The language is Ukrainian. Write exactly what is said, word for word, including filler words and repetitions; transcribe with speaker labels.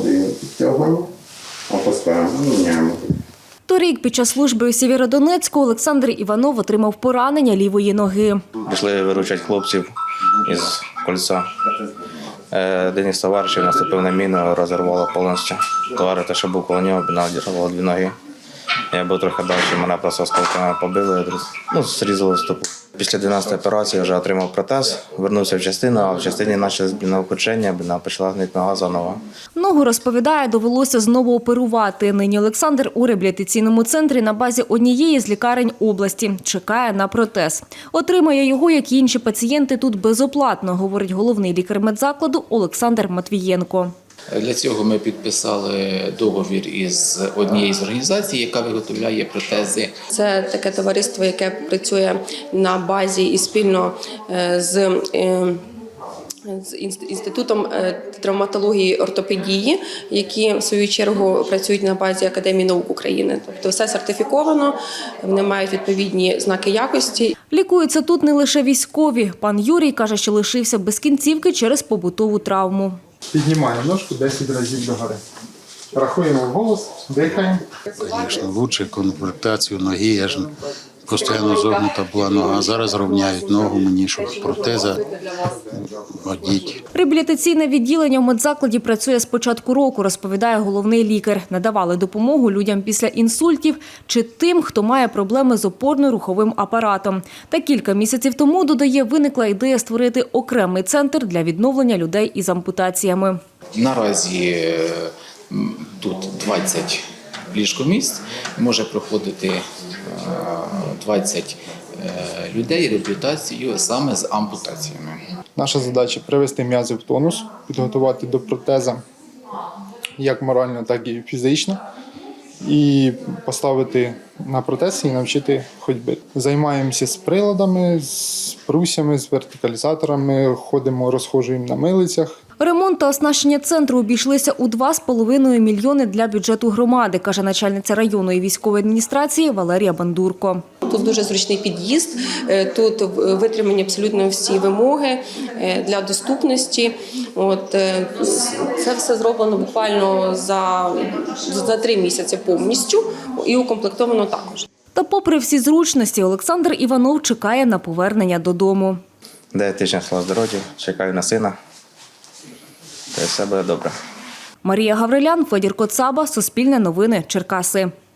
Speaker 1: годину підтягуємо, опускаємо, міняємо.
Speaker 2: Торік під час служби у Сєвєродонецьку Олександр Іванов отримав поранення лівої ноги.
Speaker 3: Пішли виручати хлопців із кольця. Один із товаришів наступив на міну, розірвало повністю. Товариш, що був коло нього, надірвало дві ноги. Я був трохи далі, мене просто осколками побили, ну, зрізали стопу. Після дванадцятої операції вже отримав протез, вернувся в частину, а в частині почали блінокручення, бліна почала гнити нога заново.
Speaker 2: Ногу, розповідає, довелося знову оперувати. Нині Олександр у реабілітаційному центрі на базі однієї з лікарень області. Чекає на протез. Отримає його, як і інші пацієнти, тут безоплатно, говорить головний лікар медзакладу Олександр Матвієнко.
Speaker 4: Для цього ми підписали договір із однією з організацій, яка виготовляє протези.
Speaker 5: Це таке товариство, яке працює на базі і спільно з з Інститутом травматології і ортопедії, які в свою чергу працюють на базі Академії наук України. Тобто все сертифіковано, вони мають відповідні знаки якості.
Speaker 2: Лікуються тут не лише військові. Пан Юрій каже, що лишився без кінцівки через побутову травму.
Speaker 6: Піднімаємо ножку десять разів догори. Рахуємо вголос, дихаємо.
Speaker 7: Звісно, краще конвертацію ноги. Я ж постійно зогнута була нога. Зараз рівняють ногу мені, щоб протеза одіть.
Speaker 2: Реабілітаційне відділення в медзакладі працює з початку року, розповідає головний лікар. Надавали допомогу людям після інсультів чи тим, хто має проблеми з опорно-руховим апаратом. Та кілька місяців тому, додає, виникла ідея створити окремий центр для відновлення людей із ампутаціями.
Speaker 4: Наразі тут двадцять ліжкомісць, може проходити двадцять людей реабілітацію саме з ампутаціями.
Speaker 6: Наша задача – привести м'язи в тонус, підготувати до протеза як морально, так і фізично, і поставити на протез і навчити ходьби. Займаємося з приладами, з прусями, з вертикалізаторами, ходимо, розхожуємо на милицях.
Speaker 2: Ремонт та оснащення центру обійшлися у два з половиною мільйони для бюджету громади, каже начальниця районної військової адміністрації Валерія Бандурко.
Speaker 5: Тут дуже зручний під'їзд, тут витримані абсолютно всі вимоги для доступності. От, це все зроблено буквально за, за три місяці повністю і укомплектовано також.
Speaker 2: Та попри всі зручності, Олександр Іванов чекає на повернення додому.
Speaker 3: Дев'ять тижнів слава здоров'я, чекаю на сина. Та все буде добре.
Speaker 2: Марія Гаврилян, Федір Коцаба, Суспільне новини, Черкаси.